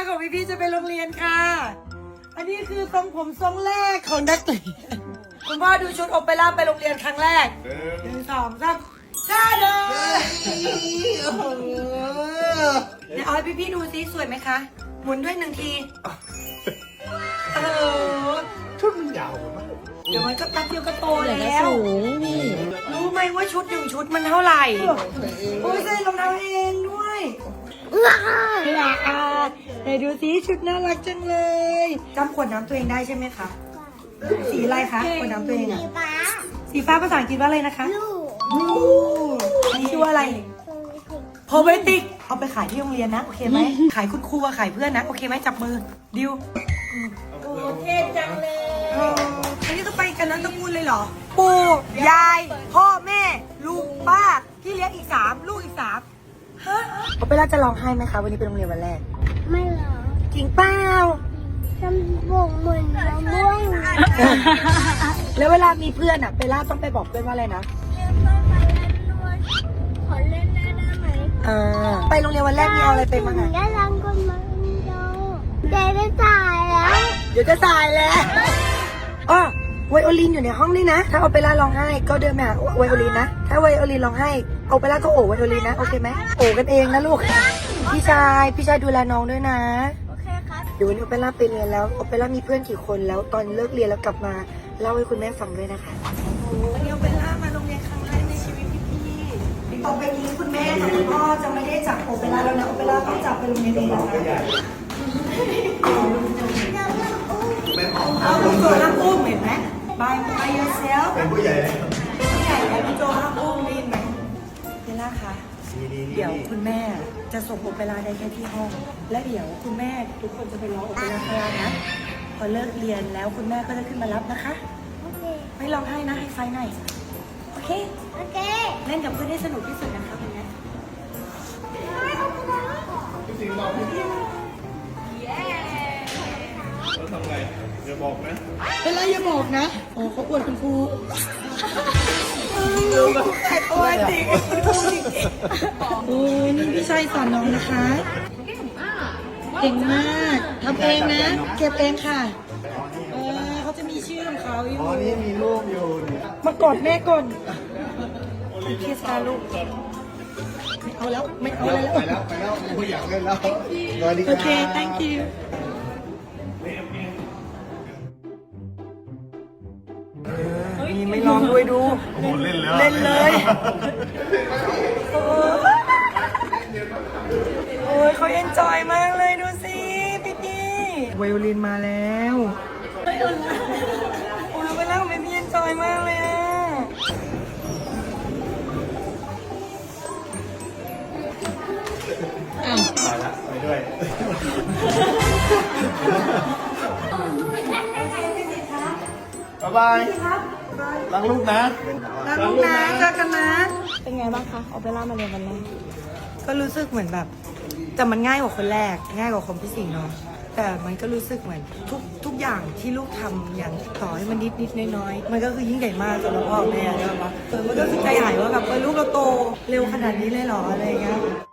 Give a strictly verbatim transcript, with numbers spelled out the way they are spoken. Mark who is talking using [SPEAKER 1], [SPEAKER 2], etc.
[SPEAKER 1] ของพี่พี่จะไปโรงเรียนค่ะ อันนี้คือทรงผมทรงแรกของนักเรียนคุณพ่อดูชุดโอเปร่าไปโรงเรียนครั้งแรกหนึ่งสองสามจ้าเด้อเดี๋ยวเอาให้พี่พี่ดูซิสวยไหมคะหมุนด้วยหนึ่งทีเออ
[SPEAKER 2] ชุดมันยาวมาก
[SPEAKER 1] เดี๋ยวมันก็แป๊บเดียวก็โต
[SPEAKER 3] เดี๋ยวก็
[SPEAKER 1] แล้ว
[SPEAKER 3] สูงพี่
[SPEAKER 1] รู้ไหมว่าชุดหนึ่งชุดมันเท่าไหร่โอ้ยใส่รองเท้าเองด้วยว้าวไหนดูสิชุดน่ารักจังเลยจำขวดน้ำตัวเองได้ใช่ไหมคะสีอะไรคะขวดน้ำตัวเองอะ
[SPEAKER 4] สีฟ้า
[SPEAKER 1] สีฟ้าภาษาอังกฤษว่าอะไรนะคะ
[SPEAKER 4] ลูก
[SPEAKER 1] ลูกอันนี้ชื่อว่าอะไรโพเบติกเอาไปขายที่โรงเรียนนะโอเคไหมขายคุณครูกับขายเพื่อนนะโอเคไหมจับมือดิวโอ้เท่จังเลยอันนี้ต้องไปกันทั้งตระกูลเลยเหรอปู่ยายพ่อแม่ลุงป้าพี่เลี้ยงอีกสามลูกอีกสามฮะโอเปร่าจะร้องไห้ไหมคะวันนี้เป็นโรงเรียนวันแรก
[SPEAKER 4] ไม่หรอ
[SPEAKER 1] จริงเปล่า
[SPEAKER 4] ทำบกเหมือนมะม่วง
[SPEAKER 1] แล้วเวลามีเพื่อนอะเปร่าต้องไปบอกเพื่อนว่าอะไรนะ
[SPEAKER 4] เล่นต้นไม้เล่นด้วยขอเล่นได้ได้ไหม
[SPEAKER 1] อ่าไปโรงเรียนวันแรกมีเอาอะไรไปบ้างอะ
[SPEAKER 4] ได้รังก็มาดูเจ๊ได้จ่ายแล้ว
[SPEAKER 1] เดี๋ยวจะตายแล้วอ๋อไวโอลินอยู่ในห้องนี่นะ ถ้าโอเปร่าร้องไห้ก็เดินมาหาไวโอลินนะ ถ้าไวโอลินร้องไห้โอเปร่าก็โอบไวโอลินนะ โอเคไหมโอบกันเองนะลูก พี่ชาย พี่ชายดูแลน้องด้วยนะ
[SPEAKER 4] โอเคครับ
[SPEAKER 1] เดี๋ยววันนี้โอเปร่าไปเรียนแล้ว โอเปร่ามีเพื่อนกี่คนแล้ว ตอนเลิกเรียนแล้วกลับมาเล่าให้คุณแม่ฟังด้วยนะคะวันนี้โอเปร่ามาโรงเรียนครั้งแรกในชีวิตพี่ๆต่อไปนี้คุณแม่กับคุณพ่อจะไม่ได้จับโอเปร่าแล้วนะ โอเปร่าต้องจับไปโรงเรียนเองแล้วนะเอาคุณโจห้ามอุ้มเห็นไหม by by yourself
[SPEAKER 2] เป็นผู้ใหญ่เลย
[SPEAKER 1] ผู้ใหญ่แล้วคุณโจห้ามอุ้มได้ยินไหมเบลล่าคะเดี๋ยวคุณแม่จะส่งโอเปร่าได้แค่ที่ห้อง และเดี๋ยวคุณแม่ทุกคนจะไปร้องโอเปร่าข้างล่างนะ พอเลิกเรียนแล้วคุณแม่ก็จะขึ้นมารับนะคะ
[SPEAKER 4] โอเค
[SPEAKER 1] ไม่ร้องไห้นะให้ไฟหน่อย โอเค
[SPEAKER 4] โอเค
[SPEAKER 1] เล่นกับเพื่อนให้สนุกที่สุดนะคะคุณแม่
[SPEAKER 2] พี่สิงห์บอกพี่เราทำไงอย่าบอกนะ
[SPEAKER 1] เป็นไรอย่าบอกนะโอ้เขาอวดคุณครูแต่ตัวจริงโอ้ยนี่พี่ชัยสอนน้องนะคะเก่งมากทำเองนะ เก็บเองค่ะเออเขาจะมีชื่อของเขาอยู่
[SPEAKER 2] อ๋อ นี่มีรูปอยู่นี่
[SPEAKER 1] มากอดแม่ก่อนคุณเคสตาลูกไม่เอาแล้วไม่เอาอะไรแล้ว
[SPEAKER 2] ไปแล้ว ไปแล้วผู้อยากเล่นแล้วสวัสดีค
[SPEAKER 1] โอ
[SPEAKER 2] รับ
[SPEAKER 1] เค thank you นี่ไม่ร้องด้วยดู
[SPEAKER 2] โอ้โหเล่นแล้ว
[SPEAKER 1] เล่นเลย โอ้ยเขาเอนจอยมากเลยดูสิพี่พี่ไวโอลินมาแล้วโอ้ยไปแล้วไม่พี่เอนจอยมากเลยอ่ะ
[SPEAKER 3] อ้าว
[SPEAKER 2] ไปละไปด้วย บ๊ายบายรักลูกนะ
[SPEAKER 1] แล้วลูกนะเจอกันนะ
[SPEAKER 3] เป็นไงบ้างคะโอเปร่ามาเรียนวันแรก
[SPEAKER 1] ก็รู้สึกเหมือนแบบ แต่มันง่ายกว่าคนแรก ง่ายกว่าคนพี่สิงห์เนาะแต่มันก็รู้สึกเหมือนทุกทุกอย่างที่ลูกทำอย่างต่อให้มันนิดนิดน้อยๆมันก็คือยิ่งใหญ่มากสำหรับพ่อแม่ใช่ปะเออมันก็คือใจหายว่าแบบเออลูกเราโตเร็วขนาดนี้เลยเหรออะไรอย่างเงี้ย